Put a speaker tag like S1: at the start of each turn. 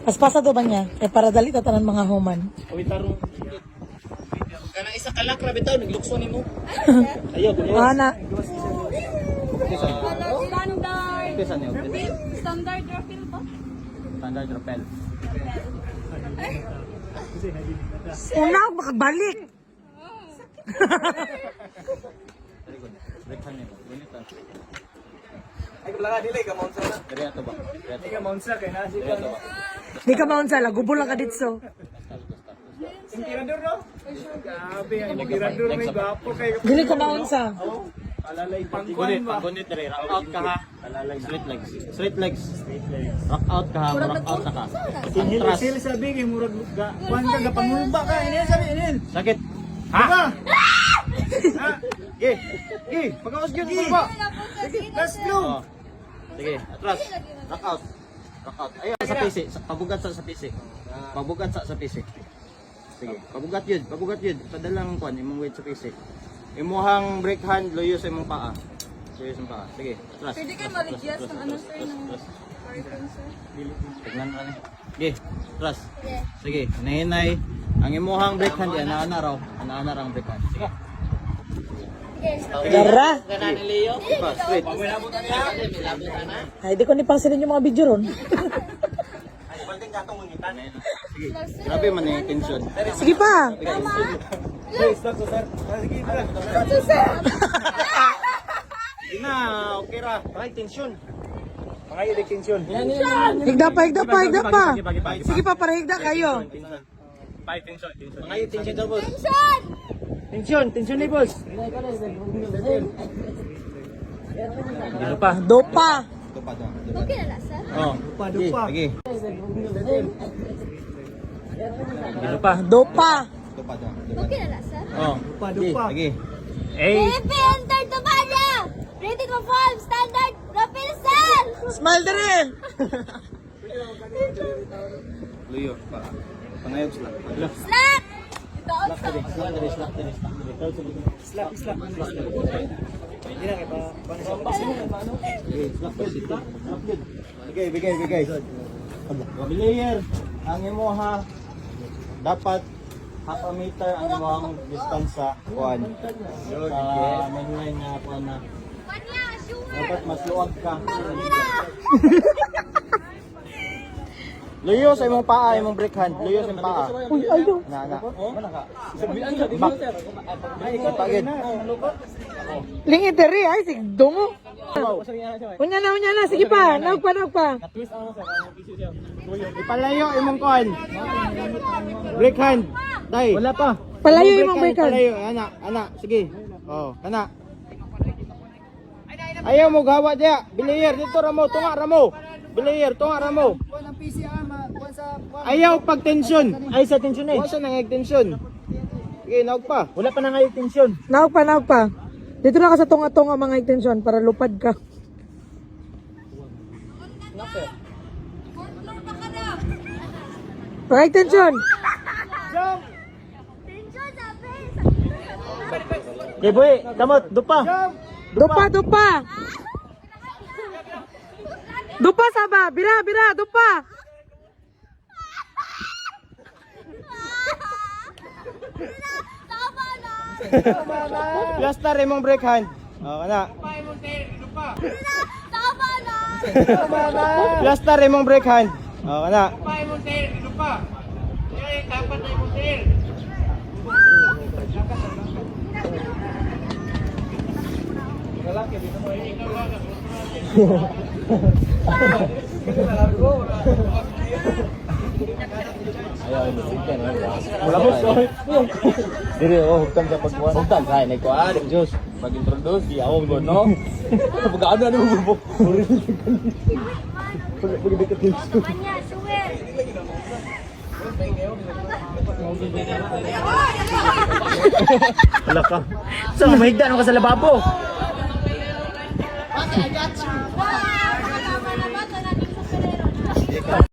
S1: Paspasa do ba niya? Eh para dali tatanan mga human.
S2: Uy, tarong. Kana isa kalakra bitaw naglukso nimo. Ayo, kuno.
S1: Ana.
S3: Standard refill po?
S2: Standard rappel.
S1: Una ako makabalik.
S2: Very good. Breakhan niyo. Ganito.
S4: Ay, kailangan dili ka maunsa na.
S2: Dari ato ba?
S4: Di ka maunsa kay nasi
S2: Dari
S4: ka.
S2: ato ba?
S1: Di ka maun sala, gubol lang ka ditso.
S4: Tirador no? Grabe, ang tirador may gwapo kay
S1: Dili ka maun sa.
S4: alalay
S2: Gunit,
S4: pangkuan ba?
S2: gunit dari. Rock out ka ha. Straight legs. Straight legs. Rock out ka ha. Rock out na ka.
S4: Inhil
S2: Atras.
S4: isil sabi kay murag kuan ka gapangulba ka ini sabi ini.
S2: Sakit.
S4: Ha?
S2: Ha?
S4: Ha?
S2: Pagkawas gyud mo ba?
S4: Let's go.
S2: Oh. Sige, atras. Rock out. Rock out. Ayo sa PC, pabugat sa PC. Pabugat sa PC. Sige, pabugat yun, pabugat yun. Padalang kuan imong weight sa PC. Imuhang break hand loyo sa imong paa. Loyo sa imong paa. Sige, atras.
S3: Pwede kayo ma-reduce ng ano sir, ng
S2: Atras.
S3: carton sir?
S2: Tignan mo ni. Sige, atras. Sige, hinahinay. Ang imuhang break hand yan, ana raw. Ana ra ang break hand. Sige.
S1: Gara.
S2: Pa, straight.
S1: Ay, di ko ni pangsilin yung mga video ron.
S2: Sige. Grabe man yung tension.
S1: Sige pa.
S4: Hey, stop sir. Sige, tara.
S2: Sige na, okay ra.
S4: Ay, tension. Pangayo di tension.
S1: Higda pa, higda pa, higda pa. Sige pa, para higda kayo.
S2: Mga tension daw boss.
S4: Tension ni boss.
S1: Dopa.
S2: Ito pa daw.
S3: Okay na sir?
S2: Oh,
S4: Dupa.
S2: Sige.
S1: Dopa.
S2: Ito pa daw.
S3: Okay na sir?
S2: Oh,
S4: Dupa.
S2: Sige.
S3: Baby, enter the banya! Rated for 5, standard refill sir!
S1: Smile dire.
S2: Luyo pa. Pangayog sila.
S3: Slack! Ito also.
S4: Slap. Hindi na kay pa.
S2: Bigay. Layer. Ang imo ha. Dapat half a meter ang imong distance sa kuan. Sa mainline na kuan na.
S3: Banya, sure!
S2: Dapat mas luwag ka. Luyo sa imong paa, imong break hand. Luyo sa imong paa.
S1: Uy, ayaw.
S2: Na. Back. Pagid.
S1: Lingi dire ay sigdongo. Unya na, sige pa. Naog pa.
S2: Ipalayo imong kuan. Break hand. Dai.
S4: Wala pa.
S1: Palayo imong breakan.
S2: Palayo, ana. Sige. Oh, ana. Ayaw mo gawa diya. Bilayer dito ramo, tunga ramo. Bilayer, tunga ramo.
S4: Kuan ang PCR kuan sa
S2: Ayaw pag tension.
S4: ay sa tension eh.
S2: Wala sa nang tension. Sige, naog pa.
S4: Wala pa na ngayon tension.
S1: Naog pa. Dito na ka sa tunga-tunga mga extension para lupad ka. Mga extension.
S3: Tension sabi!
S4: Okay boy, damot, dupa.
S1: Dupa. Dupa saba. Bira, dupa.
S3: Tama na!
S2: Plaster imong break hand. Oh, ana.
S3: Tama na!
S2: Plaster imong break hand. Oh, ana.
S4: Wala boss. Dire hugtan sa pagkuan. Hugtan sa ni kuan, Diyos. Pag-introduce di ako mo no. Pag-ano ano mo. Pag-dikit tension.
S3: Banya, sure!
S4: Wala ka. Sa mahigda ka sa lababo.
S3: Okay, I got you.